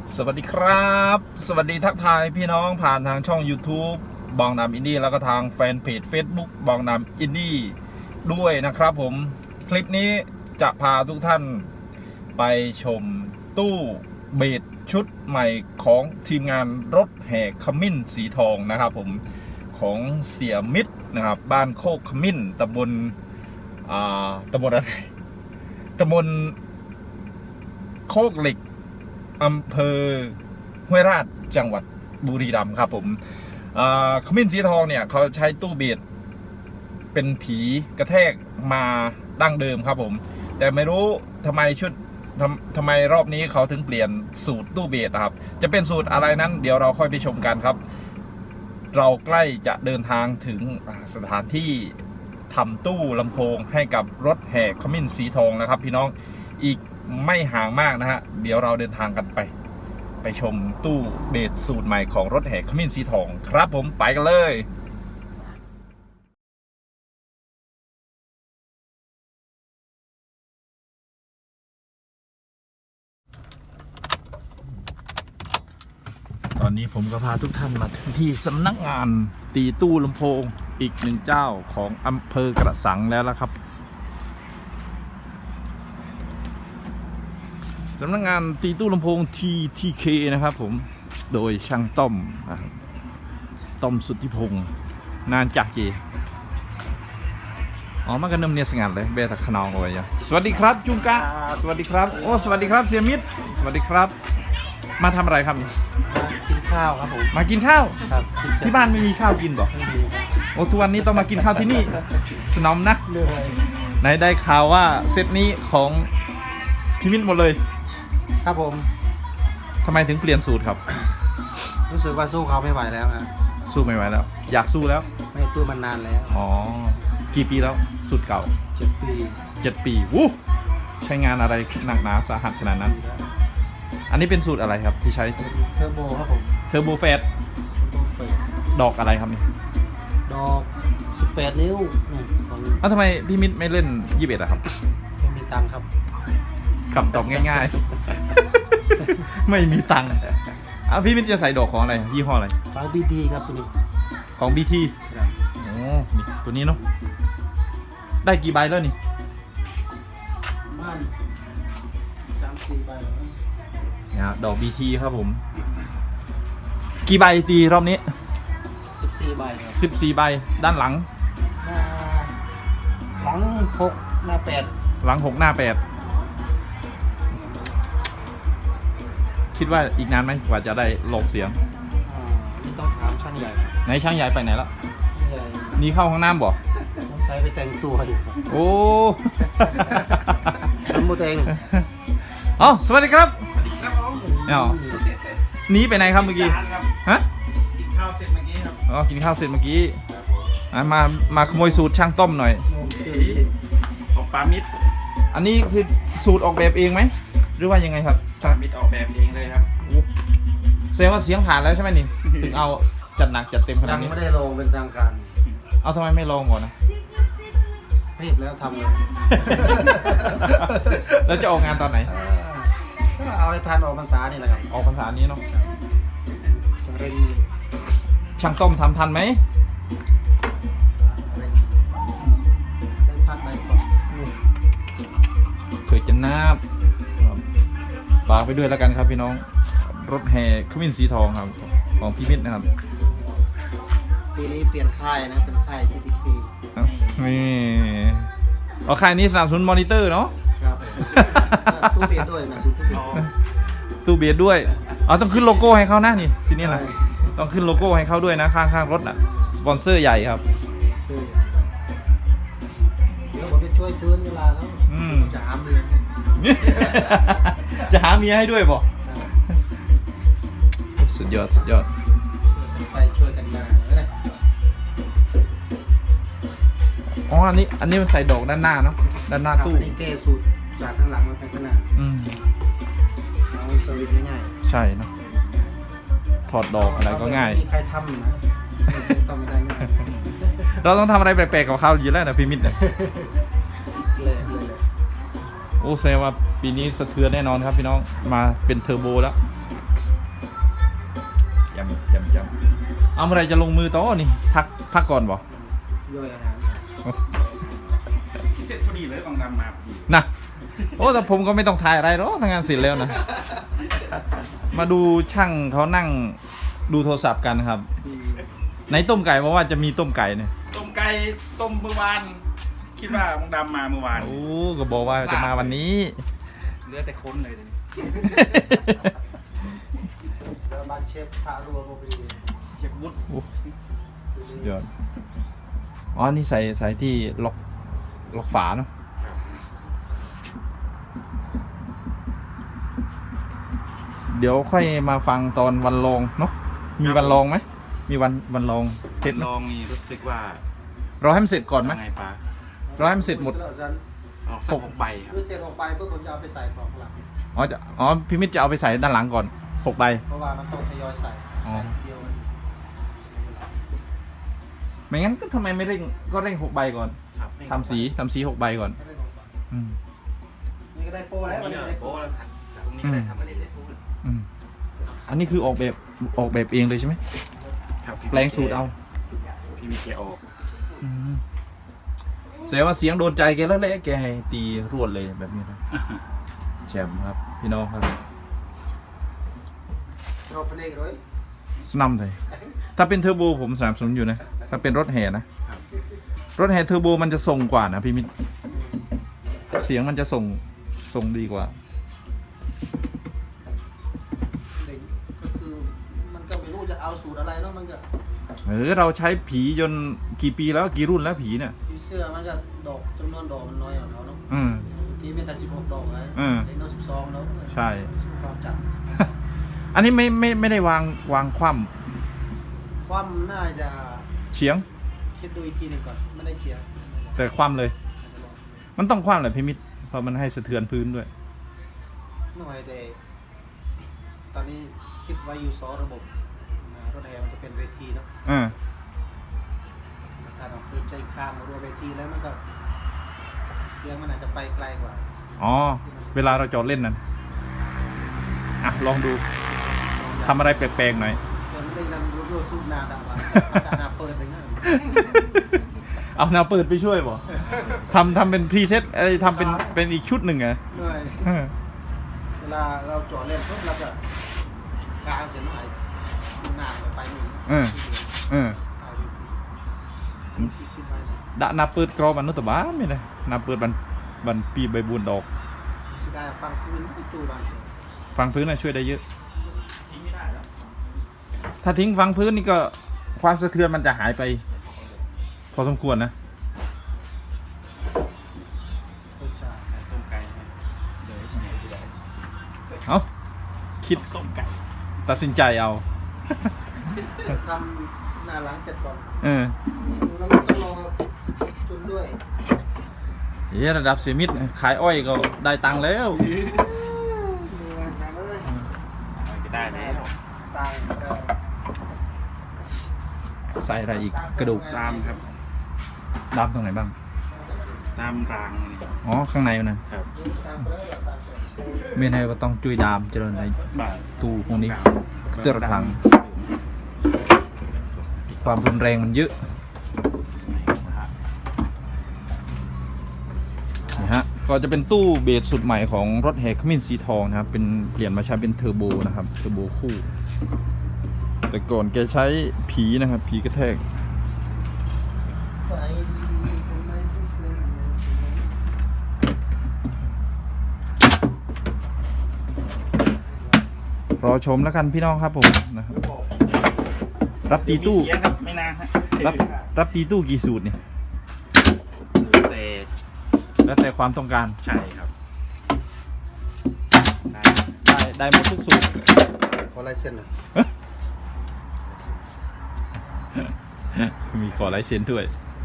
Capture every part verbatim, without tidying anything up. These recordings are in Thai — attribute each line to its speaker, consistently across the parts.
Speaker 1: สวัสดีครับสวัสดีทักทายพี่น้องผ่านทางช่อง YouTube บองนำอินดี้แล้วก็ทางแฟนเพจ Facebook บองนำอินดี้ด้วยนะครับผมคลิปนี้จะพาทุกท่านไปชมตู้เบสชุดใหม่ของทีมงานรถแห่ขมิ้นสีทองนะครับผมของเสียมิตรนะครับบ้านโคกขมิ้นตำบลอ่าตำบลอะไรตำบลโคกเหล็กอำเภอห้วยราชจังหวัดบุรีรัมย์ครับผมขมิ้นสีทองเนี่ยเขาใช้ตู้เบสเป็นผีกระแทกมาดั้งเดิมครับผมแต่ไม่รู้ทำไมชุดทำทำไมรอบนี้เขาถึงเปลี่ยนสูตรตู้เบสนะครับจะเป็นสูตรอะไรนั้นเดี๋ยวเราค่อยไปชมกันครับเราใกล้จะเดินทางถึงสถานที่ทำตู้ลำโพงให้กับรถแห่ขมิ้นสีทองนะครับพี่น้องอีกไม่ห่างมากนะฮะเดี๋ยวเราเดินทางกันไปไปชมตู้เบสสูตรใหม่ของรถแห่ขมิ้นสีทองครับผมไปกันเลยตอนนี้ผมก็พาทุกท่านมาที่สำนักงานตีตู้ลำโพงอีกหนึ่งเจ้าของอำเภอกระสังแล้วละครับสำนักงานตีตู้ลำโพง ที ที เค นะครับผมโดยช่างต้อมต้อมสุทธิพงศ์นานจากเจอ๋อมากันเนิ่มเนียสงัดเลยเบตขนองเอาไว้ยังสวัสดีครับจุงกะสวัสดีครับโอ้สวัสดีครับเสียมิตรสวัสดีครับมาทำอะไรครับ
Speaker 2: กินข้าวครับผม
Speaker 1: มากินข้าว
Speaker 2: ครับ
Speaker 1: ที่บ้านไม่มีข้าวกินบอก
Speaker 2: ไม่มีครับ
Speaker 1: โอ้ทุกวันนี้ต้องมากินข้าวที่นี่สนอมนะ
Speaker 2: เรื่องอะไร
Speaker 1: ไหนได้ข่าวว่าเซตนี้ของพี่มิตรหมดเลย
Speaker 2: ครับผม
Speaker 1: ทำไมถึงเปลี่ยนสูตรครับ
Speaker 2: รู้สึกว่าสู้เขาไม่ไหวแล้วฮะ
Speaker 1: สู้ไม่ไหวแล้วอยากสู้แล้ว
Speaker 2: ไม่ตู้มันนานแล้ว
Speaker 1: อ๋อกี่ปีแล้วสูตรเก่า
Speaker 2: เจ็ดปี
Speaker 1: เจ็ดปีวู้ใช้งานอะไรหนักหนาสาหัสขนาดนั้นอันนี้เป็นสูตรอะไรครับที่ใช้
Speaker 2: เทอร์โบครับผม
Speaker 1: เทอร์โบเฟสดอกอะไรครับนี่
Speaker 2: ดอกสิบแปดนิ้ว
Speaker 1: อ้าวทำไมพี่มิตรไม่เล่นยี่สิบเอ็ดอะครับ
Speaker 2: ไม่มีตังค์ครับ
Speaker 1: คำตอบง่ายๆไม่มีตังค์อ้าวพี่มิตรจะใส่ดอกของอะไรยี่ห้ออะไร
Speaker 2: ของ บี ที ครับตัวนี้
Speaker 1: ของ บี ที โอ้นี่ตัวนี้เนาะได้กี่ใบแล้วนี่
Speaker 2: บ้านสามสี่ใบ
Speaker 1: เนี่ยดอก บี ที ครับผมกี่ใบตีรอบนี้
Speaker 2: สิบสี่ใบ
Speaker 1: สิบสี่ใบด้านหลัง
Speaker 2: หลังหกหน้าแปด
Speaker 1: หลังหกหน้าแปดคิดว่าอีกนานไหมกว่าจะได้โหลดเสียง
Speaker 2: อ่านี่ต้องถามช่างใหญ่
Speaker 1: ไหนช่างใหญ่ไปไหนแล้วนี่เข้าห้องน้ำบ่
Speaker 2: ต้องใช้ไปแต่งตัวดิ
Speaker 1: โอ้
Speaker 2: ทำโมเตง
Speaker 1: อ๋อสวัสดีครับอ๋อหนีไปไหนครับเมื่อกี้ฮะ
Speaker 2: กินข้าวเสร็จเมื่อกี้ครับ
Speaker 1: อ๋อกินข้าวเสร็จเมื่อกี้มามาขโมยสูตรช่างต้มหน่อย
Speaker 3: ของปามิด
Speaker 1: อันนี้คือสูตรออกแบบเองไหมหรือว่ายังไงครับ
Speaker 3: ปามิดออกแบบเองเลยครับ
Speaker 1: แสดงว่าเสียงผ่านแล้วใช่ไหมนี่ถึงเอาจัดหนักจัดเต็มขนาดนี้
Speaker 2: ยังไม่ได้ลงเป็นทางการ
Speaker 1: เอาทำไมไม่ลองก่อนนะ
Speaker 2: รีบแล้วทำเลย
Speaker 1: แล้วจะออกงานตอนไหน
Speaker 2: ก็เอาให้ทันออกพรรษานี่แหละครับ
Speaker 1: ออกพรรษานี้เนาะ
Speaker 2: เร่ง
Speaker 1: ช่างต้มทำทันไหม
Speaker 2: ได้พักได้ก่อน
Speaker 1: เผื่อจะนาบฝากไปด้วยแล้วกันครับพี่น้องรถแห่ขมิ้นสีทองครับของพี่มิตรนะครับ
Speaker 2: ปีนี้เปลี่ยนค่ายนะเป็นค่าย ที ที เค
Speaker 1: นี่เอาค่ายนี้สนับสนุนมอนิเตอร์เนาะ
Speaker 2: ครับตู้เบียดด้วยนะ
Speaker 1: ตู้เบียดด้วยอ๋อต้องขึ้นโลโก้ให้เขาหน้านี่ทีนี้นะต้องขึ้นโลโก้ให้เขาด้วยนะข้างๆรถน่ะสปอนเซอร์ใหญ่ครับ
Speaker 2: เดี๋ยวผมจะช่วยพื้นเวลาแล้วจะหาเมีย
Speaker 1: จะหาเมียให้ด้วยบ่สุดยอดสุดยอด
Speaker 2: ไปช่วยกันมา
Speaker 1: อ๋ออันนี้อันนี้มันใส่ดอกด้านหน้าเนาะด้านหน้าตู้
Speaker 2: นี่แก้สูตรจากข้างหลังมาเป็นข้างหน้า
Speaker 1: อืม
Speaker 2: เอาสวิตง่าย
Speaker 1: ๆใช่เนาะถอดดอกอะไรก็ง่าย
Speaker 2: มีใครทำนะต้องไม่ได้ง่าย
Speaker 1: เราต้องทำอะไรแปลกๆกับเขาอยู่แล้วนะพี่มิตรเนี่ยโอ้แสดงว่าปีนี้สะเทือนแน่นอนครับพี่น้องมาเป็นเทอร์โบแล้วจำจำจำเอาเมื่อไรจะลงมือต่อนี่พักพักก่อนบ่
Speaker 2: ย่อยอาหาร
Speaker 3: เสร็จพอดีเลยบางดำมาพอดี
Speaker 1: นะโอ้แต่ผมก็ไม่ต้องถ่ายอะไรหรอกทำงานเสร็จแล้วนะ มาดูช่างเขานั่งดูโทรศัพท์กันครับในต้มไก่เพราะว่าจะมีต้มไก่เนี่ย
Speaker 3: ต้มไก่ต้มเมื่อวานคิดว่าบางดำมาเมื่อวาน
Speaker 1: โอ้ก็บอกว่าจะมาวันนี้
Speaker 3: เหลือแต่ค้นเลยเดี๋ยวนี้
Speaker 2: เดี๋ยวบ้านเชฟพารัวโมบี
Speaker 3: เชฟวุฒิ
Speaker 1: โอ้สุดยอดอ๋อนี่ใส่ใส่ที่ล็อกล็อกฝาเนาะเดี๋ยวค่อยมาฟังตอนวันลองเนาะมีวันลองไหมมีวันวันลองเทสไหม
Speaker 3: ลองนี่รู้สึกว่า
Speaker 1: เราให้มันเสร็จก่อนไหม
Speaker 3: ไงปะ
Speaker 1: เราให้มันเสร็จหมด
Speaker 3: เอาสักหกใบครับ
Speaker 2: คือเสร็จออกไปเพื่อผมจะเอาไปใส่กล่องหลัง
Speaker 1: อ๋อจะอ๋อพี่มิตรจะเอาไปใส่ด้านหลังก่อนหกใบ
Speaker 2: เพราะว่ามันต้องทยอยใส่
Speaker 1: อ๋อ
Speaker 2: ใส่ทีเดียวมันเสียเวลา
Speaker 1: ไม่งั้นก็ทำไมไม่เร่งก็เร่งหกใบก่อน
Speaker 3: ครับ
Speaker 1: ทำสีทำสีหกใบก่อน
Speaker 2: ไม่ได้ลงไป
Speaker 1: อืม
Speaker 2: นี่ก็ได้โปรแล้ววันนี้ได้โปร
Speaker 3: โอ้แล้วครับตรงนี้ก็ได้ทำอันนี้เลย
Speaker 1: อืมอันนี้คือออกแบบออกแบบเองเลยใช่ไหม
Speaker 3: ครับ
Speaker 1: แปลงสูตรเอา
Speaker 3: พี่มีเกียร์ออก
Speaker 1: อืมแสดงว่าเสียงโดนใจแกแล้วแหละแกให้ตีรวดเลยแบบนี้นะแชมป์ครับพี่น้องครับ
Speaker 2: เราไปเล่นเลย
Speaker 1: สนับเลยถ้าเป็นเทอร์โบผมสนับสนุนอยู่นะถ้าเป็นรถแห่นะ
Speaker 3: ครับ
Speaker 1: รถแห่เทอร์โบมันจะส่งกว่านะพี่มิตรเสียงมันจะส่งส่งดีกว่า
Speaker 2: เด็กก็คือมันก็ไม่รู้จะเอาสูตรอะไรเนาะมันก็
Speaker 1: เออเราใช้ผีจนกี่ปีแล้วกี่รุ่นแล้วผีเนี่ย
Speaker 2: ที่เสื้อมันก็ดอกจำนวนดอกมันน้อยกว่าเขาเนาะ
Speaker 1: อืม
Speaker 2: ที่เป็นแต่สิบหกดอกไง
Speaker 1: อืม
Speaker 2: เล็กน้อยสิบสองแล้ว
Speaker 1: ใช่
Speaker 2: ความจัด
Speaker 1: อันนี้ไม่ไม่ไม่ได้วางวางคว่
Speaker 2: ความน่าจะ
Speaker 1: ำเฉียง
Speaker 2: คิดดูอีกทีหนึ่งก่อนไม่ได้เขียน
Speaker 1: แต่คว่ำเลย มันต้องคว่ำแหละพี่มิตรเพราะมันให้สะเทือนพื้นด้วย
Speaker 2: หน่อยแต่ตอนนี้คิดไว้อยู่สองระบบอ่ารถแห่มันจะเป็นเวทีเนาะ
Speaker 1: อ่า
Speaker 2: ถ้าเราพื้นใจข้างมารัวเวทีแล้วมันก็เสียงมันอาจจะไปไกลกว่า
Speaker 1: อ๋อ เวลาเราจอดเล่นนั่นอ่ะ ลองดูทำอะไรแปลกๆหน่อย
Speaker 2: เดี๋ยวมันได้นำรัวๆสู้นาดาวันนาดาเปิดไปงั้น
Speaker 1: เอาแนวเปิดไปช่วยบ่ทำทำเป็นพรีเซตไอ้ทำเป็นเป็นอีกชุดหนึ่งไง
Speaker 2: เหนื่อยเวลาเราจอดเล่นปุ๊บเราก็กางเสียงหน่อยหน้าไปหนึ่ง
Speaker 1: เออเออ
Speaker 2: เอาอยู่คิดคิดไว้
Speaker 1: ดะนาเปิดกรอมันนุตบ้านไม่ได้นาเปิดบันบันปีใบบุญดอก
Speaker 2: สิได้ฟังพื้นไม่จูบางที
Speaker 1: ฟังพื้นน่ะช่วยได้เยอะ
Speaker 3: ทิ้งไม่ได้แล้ว
Speaker 1: ถ้าทิ้งฟังพื้นนี่ก็ความสะเทือนมันจะหายไป พอสมควรนะ
Speaker 2: เข้าใจ
Speaker 3: ต้มไก่นะเดี๋ยวที่ไหนจะได้
Speaker 1: เอาคิด
Speaker 3: ต้มไก่
Speaker 1: ตัดสินใจเอา
Speaker 2: ทำหน้าหลังเสร็จก่อน
Speaker 1: เออ
Speaker 2: แล้วมันต้องรอจุนด้วย
Speaker 1: เฮ้ยระดับเซมิดขายอ้อยก็ได้ตังค์แล้ว
Speaker 2: ดูงานกันเลย
Speaker 3: อะไรก็ได้แล้ว
Speaker 2: ตายเรา
Speaker 1: ใส่อะไรอีกกระดูก
Speaker 3: ตามครับ
Speaker 1: ดำตรงไหนบ้าง
Speaker 3: ตามรางนี่
Speaker 1: อ๋อ ข้างในมันนะครับ
Speaker 2: ตามไปแล้วตามไป
Speaker 1: เมียนไทยก็ต้องจุยดามเจริญใน
Speaker 3: บาท
Speaker 1: ตูพวกนี้เจริญพลัง ความรุนแรงมันเยอะนี่ฮะก็จะเป็นตู้เบสสุดใหม่ของรถแห่ขมิ้นสีทองนะครับเป็นเปลี่ยนมาใช้เป็นเทอร์โบนะครับเทอร์โบคู่ แต่ก่อนแกใช้ผีนะครับผีกระแทก
Speaker 2: ไปดีๆทำไมต้องเป็นอย่างนั้น
Speaker 1: รอชมแล้วกันพี่น้องครับผมนะครับรับตีตู้
Speaker 3: มีเสียงครับไม่นานฮะ
Speaker 1: รับรับตีตู้กี่สูตรเนี่ย
Speaker 3: แต่
Speaker 1: แล้วแต่ความต้องการ
Speaker 3: ใช่ครับได้
Speaker 1: ได้ได้หมดทุกสูตร
Speaker 2: ขอลายเซ็นหน่อย
Speaker 1: มีขอลายเซ็นด้วย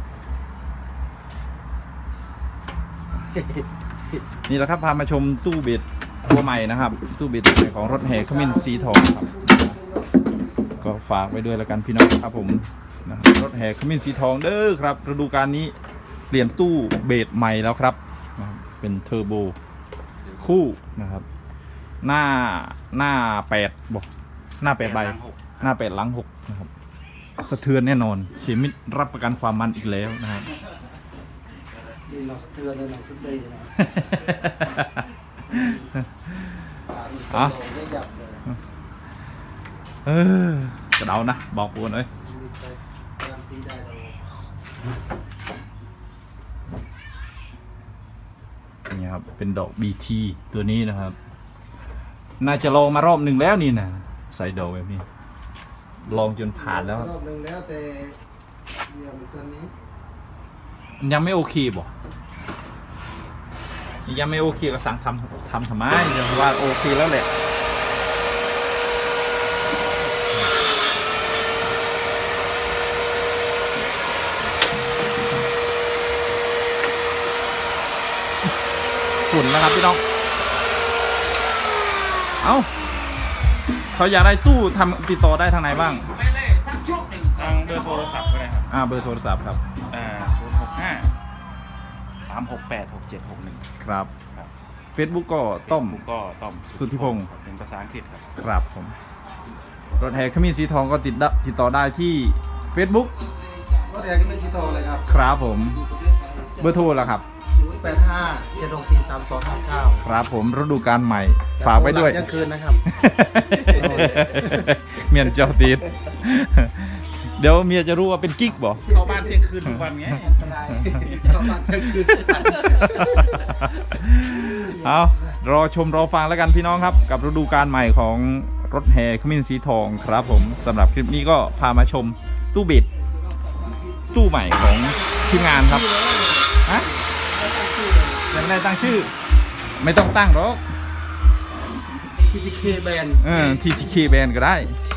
Speaker 1: นี่แหละครับพามาชมตู้เบสตัวใหม่นะครับ ตู้เบสของรถแห่ขมิ้นสีทองครับ ก็ฝากไว้ด้วยแล้วกันพี่น้องครับผมนะครับรถแห่ขมิ้นสีทองเด้อครับฤดูกาลนี้เปลี่ยนตู้เบสใหม่แล้วครับนะครับเป็นเทอร์โบคู่นะครับ หน้าหน้าแปดบอกหน้าแปดใบ
Speaker 3: หลังหก
Speaker 1: หน้าแปดหลังหกนะครับสะเทือนแน่นอนเสียมิตรรับประกันความมันอีกแล้วนะครับ
Speaker 2: นี่หนังสะเทือนเลยหนังสะเตือนนะป่านี่ตัวโดนได้หยับเลย
Speaker 1: เออกระเดานะบอกปูนเอ้ย
Speaker 2: มีใครการันตีได้เรา
Speaker 1: นี่ครับเป็นดอก บี ที ตัวนี้นะครับ น่าจะลองมารอบหนึ่งแล้วนี่นะใส่ดอกแบบนี้ลองจนผ่านแล้ว
Speaker 2: รอบหนึ่งแล้วแต่เนี่ยมันตัวนี้
Speaker 1: มันยังไม่โอเคบ่ยังไม่โอเคก็สั่งทำทำทำไมยังว่าโอเคแล้วแหละฝุ่นนะครับพี่น้องเอ้าเขาอยากได้ตู้ทำติดต่อได้ทางไหนบ้าง
Speaker 3: ทางเบอร์โทรศัพท์ก็ได้ครับ
Speaker 1: อ่าเบอร์โทรศัพท์ครับ
Speaker 3: อ่าศูนย์หกห้าสามหกแปดหกเจ็ดหกหนึ่ง
Speaker 1: ครับ
Speaker 3: ครับ
Speaker 1: Facebook ก็ต้อม
Speaker 3: ผมก็ต้อม
Speaker 1: สุทธิพงศ์
Speaker 3: ครับเป็นภาษาอังกฤษครับ
Speaker 1: ครับผมรถแห่ขมิ้นสีทองก็ติดได้ติดต่อได้ที่ Facebook
Speaker 2: รถแดงที่เป็นชิโตเลยครับ
Speaker 1: ครับผมเบอร์โทรละครับ
Speaker 2: ศูนย์แปดห้าเจ็ดหกสี่สามสองห้าเก้า
Speaker 1: ครับผมฤดูกาลใหม่ฝากไว้ด้วย
Speaker 2: ยังคืนนะครับ
Speaker 1: เมียนจอตีดเดี๋ยวเมียจะรู้ว่าเป็นกิ๊กบ่
Speaker 3: เข้าบ้านเที่ยงคืนทุกวันไง
Speaker 2: ไม่ได้เข้าบ้านยังคืน
Speaker 1: เอารอชมรอฟังแล้วกันพี่น้องครับ กับฤดูกาลใหม่ของรถแห่ขมิ้นสีทองครับผมสำหรับคลิปนี้ก็พามาชมตู้เบ็ดตู้ใหม่ของทีมงานครับฮะยังไม่ได้ตั้งชื่อ ไม่ต้องตั้งหรอก
Speaker 2: ทีทีเคแบน
Speaker 1: เออ ที ที เค แบนก็ได้
Speaker 2: ท